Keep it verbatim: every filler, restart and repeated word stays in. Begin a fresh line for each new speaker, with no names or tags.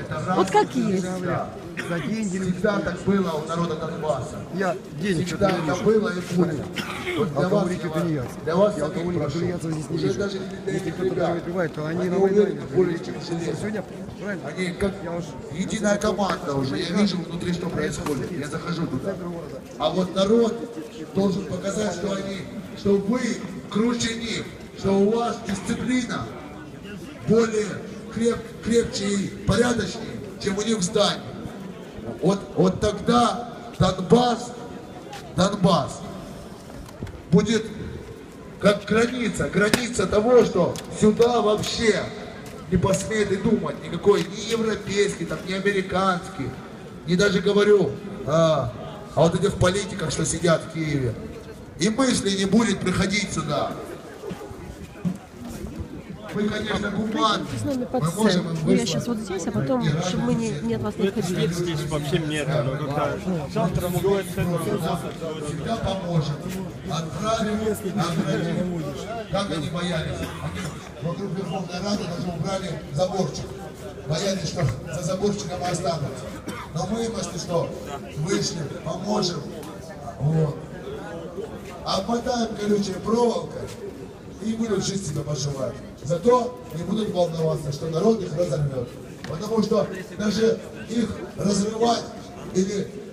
Вот как есть.
За деньги всегда так было у народа Донбасса.
Я денег
Всегда так было и будет. Вот для вас,
алкоголики это не я.
для вас
Я алкоголиков
прошу.
тунеядцев здесь не
Уже
вижу.
даже
Если кто-то даже выпивает, то они,
они
на Майдане.
уверены более чем железно.
Сегодня, правильно?
Они как единая команда уже. Я вижу внутри, что происходит. Я захожу туда. А вот народ должен показать, что они, что вы круче них, что у вас дисциплина более креп, крепче и порядочнее, чем у них в здании. Вот, вот тогда Донбасс, Донбасс будет как граница, граница того, что сюда вообще не посмеет и думать никакой, ни европейский, там, ни американский, не даже говорю а, о вот этих политиках, что сидят в Киеве. И мысли не будет приходить сюда. Мы, конечно, гуманны.
С нами под
Мы
сцену.
можем им
Ну, я
выслать.
сейчас вот здесь, а потом, чтобы мы не, не от вас не отходили.
Здесь вообще нет. Завтра могу
Всегда поможем. Отправим, наградим. Как они боялись? Они вокруг Верховной Рады даже убрали заборчик. Боялись, что за заборчиком останутся. Но мы, если что, вышли, поможем. Вот. Обмотаем колючей проволокой и будут жить себя поживать. Зато не будут волноваться, что народ их разорвет. Потому что даже их разрывать или